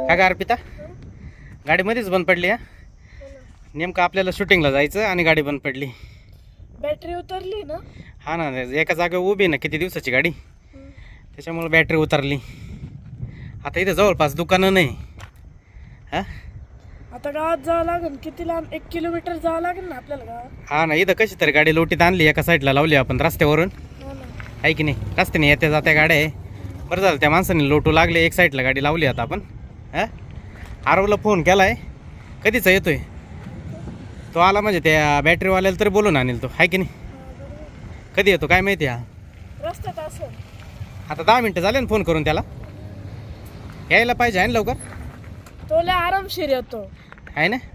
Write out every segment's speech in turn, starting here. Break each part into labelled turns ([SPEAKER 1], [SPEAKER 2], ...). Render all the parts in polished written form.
[SPEAKER 1] काय का अर्पिता गाडीमध्येच बंद पडली हा नेमकं आपल्याला शूटिंगला जायचं आणि गाडी बंद पडली.
[SPEAKER 2] बॅटरी उतरली ना.
[SPEAKER 1] हा ना एका जागेवर उभी ना किती दिवसाची गाडी त्याच्यामुळे बॅटरी उतरली. आता इथे जवळपास दुकानं नाही हा.
[SPEAKER 2] आता गावात जावं लागेल. किती लांब? 1 किलोमीटर जावं लागेल ना आपल्याला गावात.
[SPEAKER 1] हा ना इथं कशी तरी गाडी लोटीत आणली एका साईडला लावली आपण रस्त्यावरून
[SPEAKER 2] हो ना.
[SPEAKER 1] आहे की नाही. रस्त्याने येत्या जात्या गाड्या आहे. बरं झालं त्या माणसाने लोटू लागले एक साईडला गाडी लावली. आता आपण हा आरवला फोन केलाय कधीचा येतोय तो आला म्हणजे त्या बॅटरीवाल्याला तरी बोलून आणेल तो आहे की नाही. कधी येतो काय माहिती हा.
[SPEAKER 2] रस्त्यात असं
[SPEAKER 1] आता 10 मिनटं झाले ना फोन करून त्याला यायला पाहिजे आहे ना लवकर.
[SPEAKER 2] तो लय आरामशीर येतो
[SPEAKER 1] आहे ना.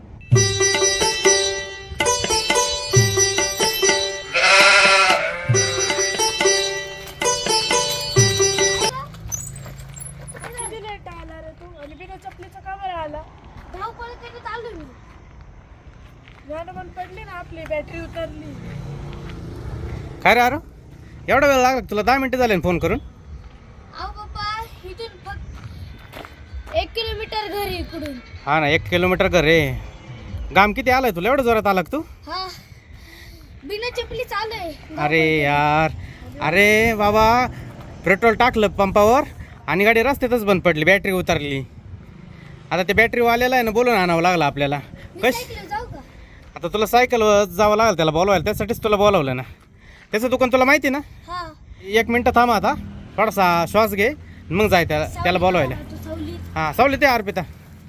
[SPEAKER 2] किती लेट आला रे तू? आणि बिना चपलीचा का बरं आला?
[SPEAKER 3] धावपळ करत आलो मी.
[SPEAKER 2] गाणं बंद पडली ना आपली बॅटरी उतरली.
[SPEAKER 1] काय रे अरे एवढा वेळ लागला तुला? 10 मिनटं झाले ना फोन करून.
[SPEAKER 3] अहो पप्पा इथून फक्त 1 किलोमीटर घरी इकडून.
[SPEAKER 1] हा ना 1 किलोमीटर घर रे. गाम किती आलाय तुला एवढं जोरात आला का तू?
[SPEAKER 3] हा बिना चपली चालू आहे.
[SPEAKER 1] अरे यार अरे बाबा पेट्रोल टाकलं पंपावर आणि गाडी रस्त्यातच बंद पडली बॅटरी उतरली. आता ते बॅटरीवाल्याला आहे ना बोलून आणावं लागलं आपल्याला. कश
[SPEAKER 3] सायकल जाऊ का?
[SPEAKER 1] आता तुला सायकलवर जावं लागलं त्याला बोलवायला त्यासाठीच तुला बोलावलं ना. त्याचं दुकान तुला माहिती ना.
[SPEAKER 3] हा
[SPEAKER 1] 1 मिनटं थांब आता थोडासा श्वास घे मग जाय त्याला बोलवायला.
[SPEAKER 3] तू सावली.
[SPEAKER 1] हां सावली ते अर्पिता.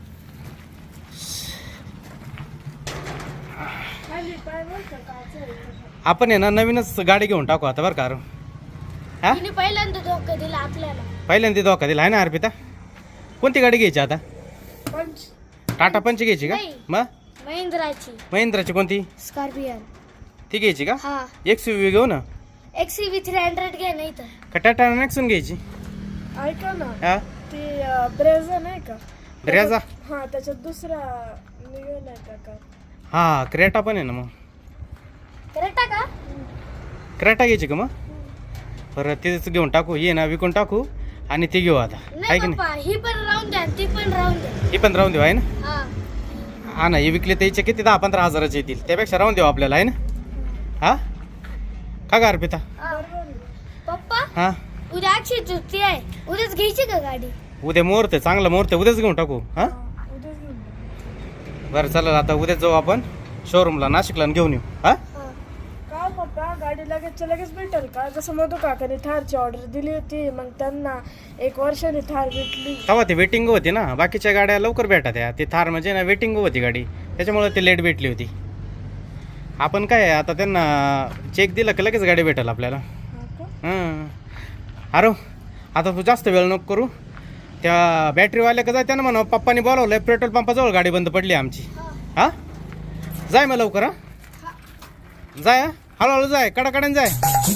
[SPEAKER 2] खाली पाय बरं का काचं.
[SPEAKER 1] आपण आहे ना नवीनच गाडी घेऊन टाकू आता बरं का अरे. हा
[SPEAKER 3] तिने पहिल्यांदा धोका दिला आपल्याला.
[SPEAKER 1] पहिल्यांदा धोका दिला आहे ना अर्पिता. कोणती गाडी घ्यायची आता?
[SPEAKER 2] पंच
[SPEAKER 1] टाटा पंच घ्यायची का?
[SPEAKER 3] नाही.
[SPEAKER 1] मग
[SPEAKER 3] महिंद्राची
[SPEAKER 1] महिंद्राची कोणती
[SPEAKER 3] स्कॉर्पियन.
[SPEAKER 1] ती घ्यायची का?
[SPEAKER 3] हा
[SPEAKER 1] XUV घेऊ ना
[SPEAKER 3] XUV 300 घे नाही तर.
[SPEAKER 1] का टाटा नेक्सॉन घ्यायची?
[SPEAKER 2] ऐका ना.
[SPEAKER 1] हा
[SPEAKER 2] ती ब्रेझा नाही का?
[SPEAKER 1] ब्रेझा.
[SPEAKER 2] हा त्याच्यात दुसरा निघालाय का?
[SPEAKER 1] हा क्रेटा पण आहे ना. मग
[SPEAKER 3] करेक्ट का?
[SPEAKER 1] क्रेटा घ्यायची का? मग बरं तेच घेऊन टाकू. ये ना विकून टाकू आणि ती घेऊ आता आहे
[SPEAKER 3] नाही
[SPEAKER 1] की नाही.
[SPEAKER 3] पप्पा ही पण राहून द्या ती पण राहून द्या.
[SPEAKER 1] ही पण राहून देऊ आहे ना.
[SPEAKER 3] हा
[SPEAKER 1] हा ना हे विकले त्याचे किती 10-15 हजाराचे येतील त्यापेक्षा राहून देऊ आपल्याला आहे ना. हा का गा अर्पिता?
[SPEAKER 3] पप्पा
[SPEAKER 1] हा
[SPEAKER 3] उद्या अक्षय तृतीया आहे. उद्याच घ्यायची का गाडी?
[SPEAKER 1] उद्या मुहूर्त आहे चांगला मुहूर्त आहे उद्याच घेऊन टाकू. हा
[SPEAKER 2] उद्याच घेऊन जा.
[SPEAKER 1] बरं चालेल आता उद्याच जाऊ आपण शोरूमला नाशिकला आणि घेऊन येऊ. हा
[SPEAKER 2] का पप्पा गाडी लगेचच्या लगेच भेटेल का? जसं मधू काकाने थारची ऑर्डर दिली होती मग त्यांना 1 वर्षाने थार भेटली.
[SPEAKER 1] तेव्हा ती वेटिंग होती ना. बाकीच्या गाड्या लवकर भेटत त्या. ती थार म्हणजे ना वेटिंग होती गाडी त्याच्यामुळे ती लेट भेटली होती. आपण काय आता त्यांना चेक दिला की लगेच गाडी भेटेल आपल्याला.
[SPEAKER 2] हा का?
[SPEAKER 1] हां अरे आता तू जास्त वेळ नको करू. त्या बॅटरीवाल्या का जाय त्यानं म्हणा पप्पानी बोलावलं आहे पेट्रोल पंपाजवळ गाडी बंद पडली आमची. हां जाय मग लवकर. हा जाय हा. हळूहळू जाय कडाकड्याने जाय.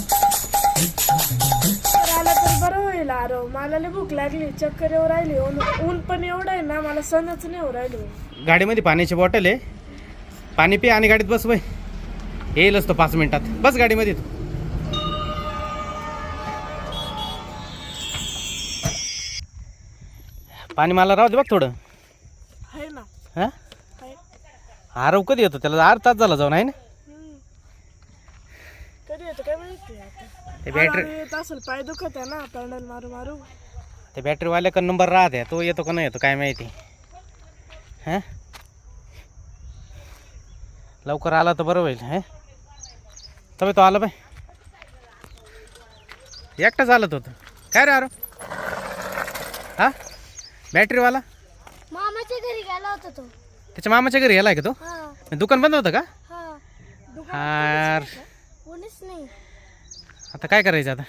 [SPEAKER 2] तर आला तर बरं होईल. अरे मला लय भूक लागली चक्कर येऊ राहिली. ऊन पण एवढं आहे ना मला सणच नाही येऊ राहिलो.
[SPEAKER 1] गाडीमध्ये पाण्याची बॉटल आहे पाणी पी आणि गाडीत बस बाई. येईलच तो 5 मिनिटात. बस गाडीमध्ये तू. पाणी मला राहू दे बघ थोडं.
[SPEAKER 2] आहे ना.
[SPEAKER 1] हां
[SPEAKER 2] आहे.
[SPEAKER 1] आरव कधी येतो? त्याला 8 तास झाला जाऊन आहे ना.
[SPEAKER 2] कधी येतो काय माहिती आता.
[SPEAKER 1] ते बॅटरी
[SPEAKER 2] येत असेल पाय दुखत आहे ना पॅन्डल मारू मारू.
[SPEAKER 1] ते बॅटरीवाल्याकडे नंबर राहते तो येतो का नाही येतो काय माहिती. हां लवकर आला तर बरं होईल. हां तबे तो आला बाय. एकटाच आलं होतं काय रे अरे. हां बॅटरीवाला
[SPEAKER 3] मामाच्या घरी गेला होता तो.
[SPEAKER 1] त्याच्या मामाच्या घरी गेलाय का तो?
[SPEAKER 3] हा
[SPEAKER 1] दुकान बंद होतं का?
[SPEAKER 3] हा
[SPEAKER 1] यार
[SPEAKER 3] कोणीच नाही.
[SPEAKER 1] आता काय करायचं आता.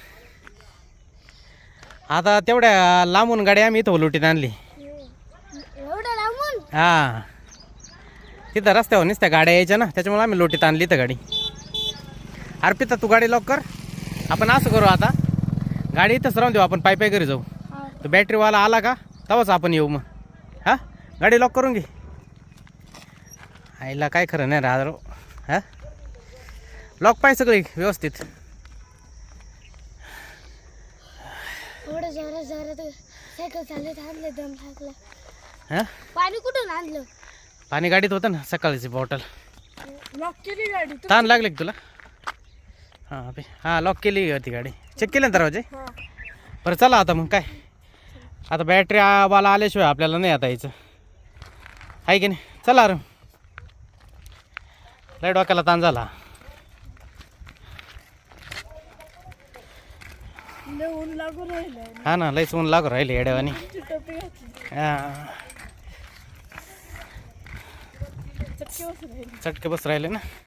[SPEAKER 1] आता तेवढ्या लांबून गाडी आम्ही इथं लोटीत आणली.
[SPEAKER 3] एवढं लांबून?
[SPEAKER 1] हां तिथं रस्त्यावर नुसत्या गाड्या यायच्या ना त्याच्यामुळे आम्ही लोटीत आणली इथं गाडी. अर्पिता तू गाडी लॉक कर. आपण असं करू आता गाडी इथंच राहून देऊ आपण पायी पायी घरी जाऊ. तो बॅटरीवाला आला का तेव्हाच आपण येऊ मग. हां गाडी लॉक करून घे. आईला काय खरं नाही राहतो. हां लॉक पाहिजे सगळी व्यवस्थित.
[SPEAKER 3] एवढं जोरात जोरात सायकल चालत आणलं दम लागला.
[SPEAKER 1] हां
[SPEAKER 3] पाणी कुठून आणलं?
[SPEAKER 1] पाणी गाडीत होतं ना सकाळची बॉटल.
[SPEAKER 2] लॉक केली गाडी तू?
[SPEAKER 1] ताण लागले का तुला? हां लॉक केली होती गाडी. चेक केले ना दरवाजे?
[SPEAKER 2] हा.
[SPEAKER 1] बरं चला आता मग काय, आता बॅटरी वाला आल्याशिवाय आपल्याला नाही आता यायचं आहे की नाही. चला अरे लय डोक्याला ताण झाला.
[SPEAKER 2] लय ऊन लागून राहिलंय.
[SPEAKER 1] हा ना लयच ऊन लागू राहिले येड्यावानी.
[SPEAKER 2] ती टोपी घातली
[SPEAKER 1] हां
[SPEAKER 2] चटके बसून राहिली.
[SPEAKER 1] चटके बस राहिले ना.